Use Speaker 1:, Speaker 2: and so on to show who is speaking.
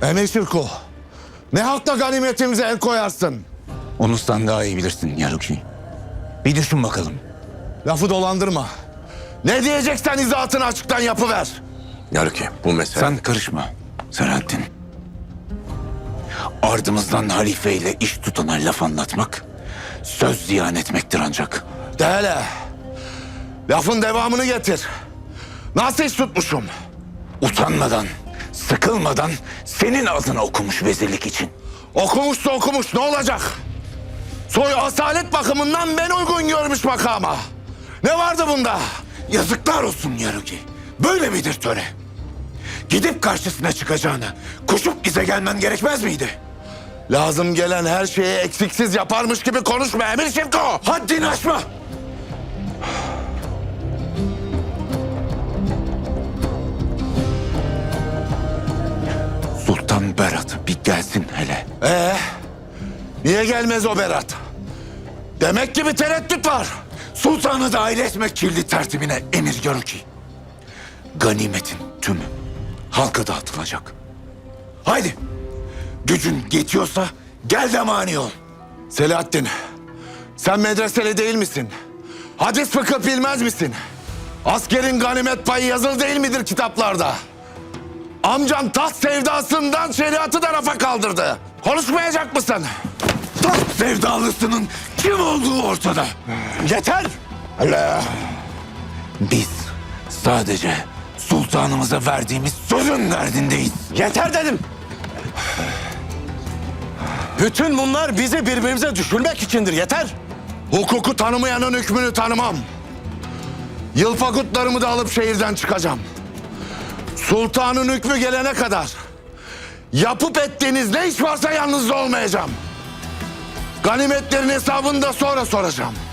Speaker 1: Emir Şirko, ne hakla ganimetimize el koyarsın?
Speaker 2: Onu sen daha iyi bilirsin Yaruki. Bir düşün bakalım.
Speaker 1: Lafı dolandırma. Ne diyeceksen izahatını açıktan yapıver.
Speaker 3: Yaruki, bu mesele...
Speaker 2: Sen karışma Selahattin. Ardımızdan halifeyle iş tutana laf anlatmak, söz ziyan etmektir ancak.
Speaker 1: De hele. Lafın devamını getir. Nasıl iş tutmuşum?
Speaker 2: Utanmadan, sıkılmadan senin adını okumuş vezirlik için.
Speaker 1: Okumuşsa okumuş, ne olacak? Soy asalet bakımından ben uygun görmüş makama. Ne vardı bunda?
Speaker 2: Yazıklar olsun Yaruki. Böyle midir töre? Gidip karşısına çıkacağına koşup bize gelmen gerekmez miydi?
Speaker 1: Lazım gelen her şeyi eksiksiz yaparmış gibi konuşma Emir Şirko.
Speaker 2: Haddini aşma! Sultan Berat bir gelsin hele.
Speaker 1: Niye gelmez o Berat? Demek ki bir tereddüt var.
Speaker 2: Sultanı dahil etmek kirli tertibine emir Yaruki. Ganimetin tümü halka dağıtılacak. Haydi gücün yetiyorsa gel de mani ol.
Speaker 1: Selahattin, sen medreseli değil misin? Hadis fıkıh bilmez misin? Askerin ganimet payı yazılı değil midir kitaplarda? Amcan taht sevdasından şeriatı da rafa kaldırdı. Konuşmayacak mısın?
Speaker 2: Taht sevdalısının kim olduğu ortada.
Speaker 1: Yeter! Allah!
Speaker 2: Biz sadece sultanımıza verdiğimiz sözün derdindeyiz.
Speaker 1: Yeter dedim! Bütün bunlar bizi birbirimize düşürmek içindir, yeter! Hukuku tanımayanın hükmünü tanımam. Yılpakutlarımı da alıp şehirden çıkacağım. Sultanın hükmü gelene kadar yapıp ettiğiniz ne iş varsa yanınızda olmayacağım. Ganimetlerin hesabını da sonra soracağım.